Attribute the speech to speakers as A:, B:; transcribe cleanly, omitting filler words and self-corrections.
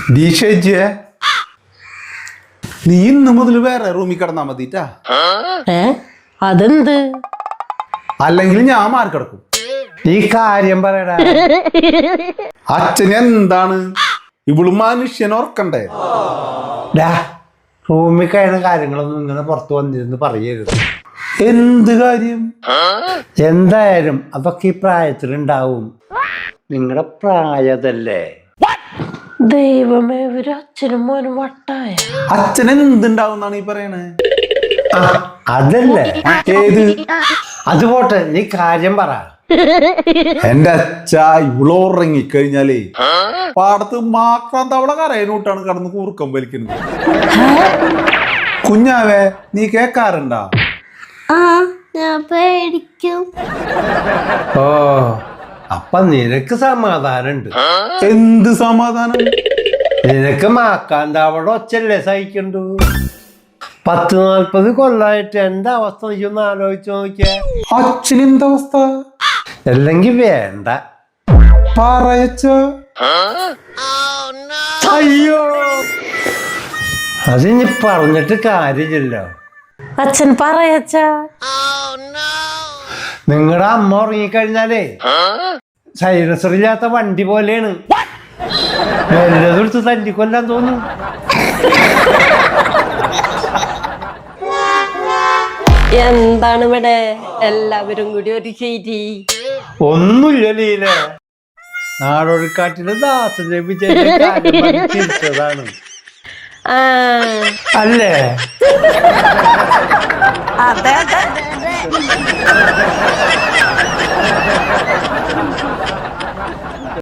A: ദീക്ഷേ നീ ഇന്ന് മുതൽ വേറെ റൂമിൽ കിടന്നാ മതിട്ടാ.
B: അതെന്ത്?
A: അല്ലെങ്കിൽ ഞാൻ മാറി കിടക്കും.
C: ഈ കാര്യം പറയടാ.
A: അച്ഛന് എന്താണ് ഇവളും മനുഷ്യൻ ഓർക്കണ്ടേ?
C: റൂമിൽ കഴിയുന്ന കാര്യങ്ങളൊന്നും ഇങ്ങനെ പുറത്തു വന്നിരുന്ന് പറയരുത്.
A: എന്ത് കാര്യം?
C: എന്തായാലും അതൊക്കെ ഈ പ്രായത്തിലുണ്ടാവും. നിങ്ങളുടെ പ്രായതല്ലേ.
B: ദൈവമേ, ഒരു അച്ഛനും മോനും വട്ടായ.
A: അച്ഛന് എന്തുണ്ടാവുന്നാണ് ഈ പറയണേ?
C: അതല്ലേ
A: ഏത്?
C: അത് പോട്ടെ, നീ കാര്യം പറ.
A: എന്റെ അച്ഛ ഇവളോ ഉറങ്ങിക്കഴിഞ്ഞാലേ പാടത്ത് മാക്രാൻ തവള കരയനൂട്ടാണ് കടന്ന് കൂർക്കം വലിക്കുന്നത്. കുഞ്ഞാവേ, നീ കേക്കാറുണ്ടാ?
D: ഞാൻ പേടിക്കും.
C: ഓ, അപ്പൊ നിനക്ക് സമാധാനുണ്ട്.
A: എന്ത് സമാധാനം?
C: നിനക്ക് മാക്കാന്താവടെ ഒച്ചല്ലേ സഹിക്കണ്ടു. 40-40 കൊല്ലായിട്ട് എന്റെ അവസ്ഥ നീയൊന്ന് ആലോചിച്ച് നോക്കിയേ.
A: അച്ഛന് എന്തവസ്ഥ?
C: അല്ലെങ്കിൽ വേണ്ട
A: പറയച്ച.
C: അയ്യോ, അതിനി പറഞ്ഞിട്ട് കാര്യമില്ലല്ലോ.
B: അച്ഛൻ പറയച്ച.
C: നിങ്ങളുടെ അമ്മ ഉറങ്ങിക്കഴിഞ്ഞാലേ സൈലൻസർ ഇല്ലാത്ത വണ്ടി പോലെയാണ്. വല്ലതെടുത്ത് തല്ലിക്കൊല്ലാൻ തോന്നും.
B: എന്താണ് ഇവിടെ എല്ലാവരും കൂടി ഒരു ശരി?
C: ഒന്നുമില്ല ലീല, നാടോടിക്കാറ്റില് ദാസൻ ചിരിച്ചതാണ് അല്ലേ?
B: അതെ.